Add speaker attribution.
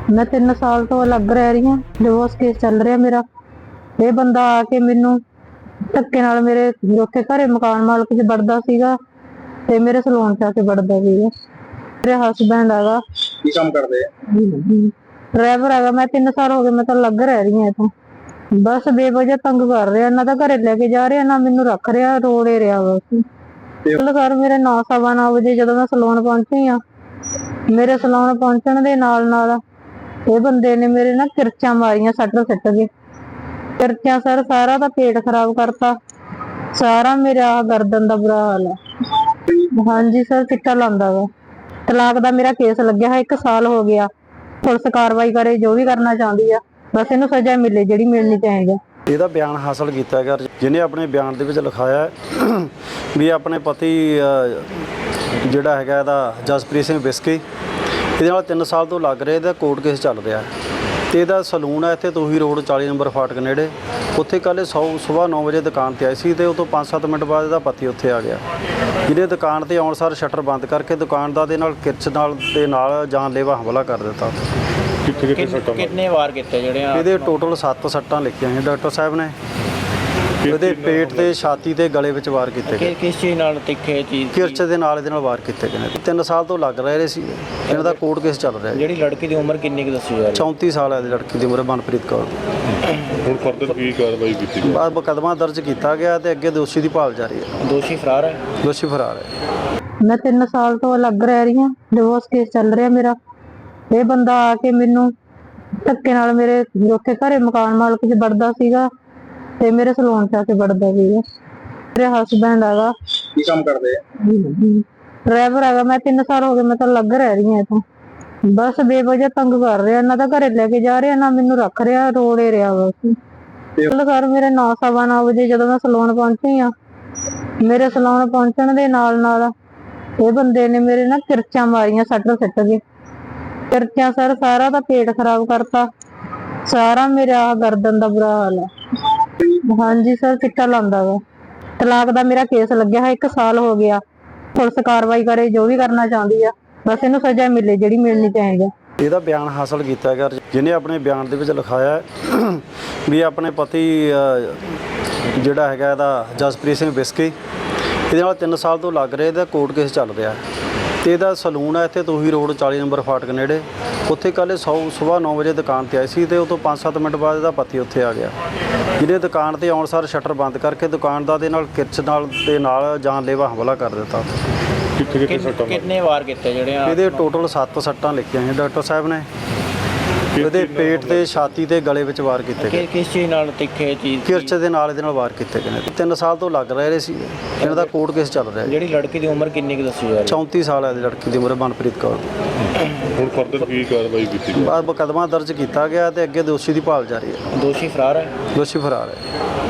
Speaker 1: मैं 3 साल तो अलग रह रही हूँ। डिवोर्स केस चल रहा मेरा। ये बंदा आके मैनू धक्के नाल मेरे उत्थे घरे मकान मालक च वड़दा सीगा ते मेरे सलून च आके वड़दा सीगा। मेरे हसबैंड हैगा
Speaker 2: की काम करदे
Speaker 1: ड्राइवर हैगा। मैं 3 साल हो गए मैं तो अलग रह रही हूँ इथों। बस बेवजह तंग कर रहा ना, तो घरे लेके जा रहा ना मैनू रख रहा, रोड़े रहा बस। कल कर मेरे 9 सवा 9 वजे जदों मैं सलून पहुंची हाँ, मेरे सलून पहुंचण दे नाल ये बंदे ने मेरे ना किरचा मारियां, सट सिट के किरचा सर सारा दा पेट खराब करता, सारा मेरा गर्दन दा बुरा हाल है। हाँ जी सर, चिट्टा लांदा वा। तलाक दा मेरा केस लग्या है, 1 साल हो गया। पुलिस कार्रवाई करे, जो भी करना चाहती है, बस इनू सजा मिले जिहड़ी मिलनी चाहिए।
Speaker 3: ਇਹਦਾ ਬਿਆਨ ਹਾਸਲ ਕੀਤਾ ਗਿਆ, ਜਿਹਨੇ ਆਪਣੇ ਬਿਆਨ ਦੇ ਵਿੱਚ ਲਿਖਾਇਆ ਵੀ ਆਪਣੇ ਪਤੀ ਜਿਹੜਾ ਹੈਗਾ ਇਹਦਾ ਜਸਪ੍ਰੀਤ ਸਿੰਘ ਬਿਸਕੀ, ਇਹਦੇ ਨਾਲ 3 ਸਾਲ ਤੋਂ ਲੱਗ ਰਿਹਾ, ਇਹਦਾ ਕੋਰਟ ਕੇਸ ਚੱਲ ਰਿਹਾ ਤੇ ਇਹਦਾ ਸਲੂਨ ਹੈ ਇੱਥੇ ਤੋਹੀ ਰੋਡ 40 ਨੰਬਰ ਫਾਟਕ ਨੇੜੇ। ਉੱਥੇ ਕੱਲ੍ਹ ਸੁਬਾਹ 9 ਵਜੇ ਦੁਕਾਨ ਤੇ ਆਈ ਸੀ ਤੇ ਉਹ ਤੋਂ 5-7 ਮਿੰਟ ਬਾਅਦ ਇਹਦਾ ਪਤੀ ਉੱਥੇ ਆ ਗਿਆ, ਜਿਹਨੇ ਦੁਕਾਨ ਤੇ ਆਉਣ ਸਾਰ ਸ਼ਟਰ ਬੰਦ ਕਰਕੇ ਦੁਕਾਨਦਾਰ ਦੇ ਨਾਲ ਕਿਰਚ ਨਾਲ ਜਾਨਲੇਵਾ ਹਮਲਾ ਕਰ ਦਿੱਤਾ।
Speaker 2: ਕਿੰਨੇ ਵਾਰ ਕੀਤੇ ਜਿਹੜੇ
Speaker 3: ਇਹਦੇ ਟੋਟਲ 7 ਸੱਟਾਂ ਲਿਖੀਆਂ ਸੀ ਡਾਕਟਰ ਸਾਹਿਬ ਨੇ। ਇਹਦੇ ਪੇਟ ਤੇ, ਛਾਤੀ ਤੇ, ਗਲੇ ਵਿੱਚ ਵਾਰ ਕੀਤੇ ਗਏ।
Speaker 2: ਕਿਸ ਚੀਜ਼ ਨਾਲ ਤਿੱਖੇ ਚੀਜ਼
Speaker 3: ਕਿਰਚ ਦੇ ਨਾਲ ਇਹਦੇ ਨਾਲ ਵਾਰ ਕੀਤੇ ਗਏ ਨੇ। 3 ਸਾਲ ਤੋਂ ਲੱਗ ਰਹੇ ਸੀ, ਇਹਨਾਂ ਦਾ ਕੋਰਟ ਕੇਸ ਚੱਲ ਰਿਹਾ।
Speaker 2: ਜਿਹੜੀ ਲੜਕੀ ਦੀ ਉਮਰ ਕਿੰਨੀ ਕੁ ਦੱਸੀ ਜਾ ਰਹੀ
Speaker 3: 34 ਸਾਲ ਹੈ ਲੜਕੀ ਦੀ ਉਮਰ, ਮਨਪ੍ਰੀਤ ਕੌਰ ਦੀ।
Speaker 4: ਹੁਣ ਫਰਦਰ ਕੀ ਕਾਰਵਾਈ ਕੀਤੀ ਗਈ?
Speaker 3: ਬਾਅਦ ਮੁਕੱਦਮਾ ਦਰਜ ਕੀਤਾ ਗਿਆ ਤੇ ਅੱਗੇ ਦੋਸ਼ੀ ਦੀ ਭਾਲ ਜਾਰੀ ਹੈ।
Speaker 2: ਦੋਸ਼ੀ ਫਰਾਰ ਹੈ?
Speaker 3: ਦੋਸ਼ੀ ਫਰਾਰ ਹੈ।
Speaker 1: मैं 3 साल तो अलग रह रही हूँ। डिवोर्स केस चल रहा मेरा। ये बंदा आके मैनू धक्के नाल मेरे उत्थे घरे मकान मालक च वड़दा सीगा ते मेरे सलून च आके वड़दा सीगा। मेरे हसबैंड हैगा
Speaker 2: ਕੀ ਕੰਮ ਕਰਦੇ
Speaker 1: ड्राइवर हैगा। मैं 3 साल हो गए मैं तो अलग रह रही हूँ इथों। बस बेवजह तंग कर रहा ना, तो घरे लेके जा रहा ना मैनू रख रहा, रोड़े रहा बस। कल कर मेरे 9 सवा 9 वजे जदों मैं सलून पहुंची हाँ, मेरे सलून पहुंचण दे नाल ये बंदे ने मेरे ना किरचा मारियां, सट सिट के किरचा सर सारा दा पेट खराब करता, सारा मेरा गर्दन दा बुरा हाल है। हाँ जी सर, चिट्टा लांदा वा। तलाक दा मेरा केस लग्या है, 1 साल हो गया। पुलिस कार्रवाई करे, जो भी करना चाहती है, बस इनू सजा मिले जिहड़ी मिलनी चाहिए।
Speaker 3: ਇਹਦਾ ਬਿਆਨ ਹਾਸਲ ਕੀਤਾ ਗਿਆ, ਜਿਹਨੇ ਆਪਣੇ ਬਿਆਨ ਦੇ ਵਿੱਚ ਲਿਖਾਇਆ ਵੀ ਆਪਣੇ ਪਤੀ ਜਿਹੜਾ ਹੈਗਾ ਇਹਦਾ ਜਸਪ੍ਰੀਤ ਸਿੰਘ ਬਿਸਕੀ, ਇਹਦੇ ਨਾਲ 3 ਸਾਲ ਤੋਂ ਲੱਗ ਰਿਹਾ, ਇਹਦਾ ਕੋਰਟ ਕੇਸ ਚੱਲ ਰਿਹਾ ਤੇ ਇਹਦਾ ਸਲੂਨ ਹੈ ਇੱਥੇ ਤੋਹੀ ਰੋਡ 40 ਨੰਬਰ ਫਾਟਕ ਨੇੜੇ। ਉੱਥੇ ਕੱਲ੍ਹ ਸੁਬਾਹ 9 ਵਜੇ ਦੁਕਾਨ ਤੇ ਆਈ ਸੀ ਤੇ ਉਹ ਤੋਂ 5-7 ਮਿੰਟ ਬਾਅਦ ਇਹਦਾ ਪਤੀ ਉੱਥੇ ਆ ਗਿਆ, ਜਿਹਨੇ ਦੁਕਾਨ ਤੇ ਆਉਣ ਸਾਰ ਸ਼ਟਰ ਬੰਦ ਕਰਕੇ ਦੁਕਾਨਦਾਰ ਦੇ ਨਾਲ ਕਿਰਚ ਨਾਲ ਜਾਨਲੇਵਾ ਹਮਲਾ ਕਰ ਦਿੱਤਾ।
Speaker 2: ਕਿੰਨੇ ਵਾਰ ਕੀਤੇ ਜਿਹੜੇ
Speaker 3: ਇਹਦੇ ਟੋਟਲ 7 ਸੱਟਾਂ ਲਿਖੀਆਂ ਸੀ ਡਾਕਟਰ ਸਾਹਿਬ ਨੇ। ਇਹਦੇ ਪੇਟ ਤੇ, ਛਾਤੀ ਤੇ, ਗਲੇ ਵਿੱਚ ਵਾਰ ਕੀਤੇ ਗਏ।
Speaker 2: ਕਿਸ ਚੀਜ਼ ਨਾਲ ਤਿੱਖੇ ਚੀਜ਼
Speaker 3: ਕਿਰਚ ਦੇ ਨਾਲ ਇਹਦੇ ਨਾਲ ਵਾਰ ਕੀਤੇ ਗਏ ਨੇ। 3 ਸਾਲ ਤੋਂ ਲੱਗ ਰਹੇ ਸੀ, ਇਹਨਾਂ ਦਾ ਕੋਰਟ ਕੇਸ ਚੱਲ ਰਿਹਾ।
Speaker 2: ਜਿਹੜੀ ਲੜਕੀ ਦੀ ਉਮਰ ਕਿੰਨੀ ਕੁ ਦੱਸੀ ਜਾ ਰਹੀ
Speaker 3: 34 ਸਾਲ ਹੈ ਲੜਕੀ ਦੀ ਉਮਰ, ਮਨਪ੍ਰੀਤ ਕੌਰ ਦੀ।
Speaker 4: ਹੁਣ ਫਰਦਰ ਕੀ ਕਾਰਵਾਈ ਕੀਤੀ ਗਈ?
Speaker 3: ਬਾਅਦ ਮੁਕੱਦਮਾ ਦਰਜ ਕੀਤਾ ਗਿਆ ਤੇ ਅੱਗੇ ਦੋਸ਼ੀ ਦੀ ਭਾਲ ਜਾਰੀ ਹੈ।
Speaker 2: ਦੋਸ਼ੀ ਫਰਾਰ ਹੈ?
Speaker 3: ਦੋਸ਼ੀ ਫਰਾਰ ਹੈ।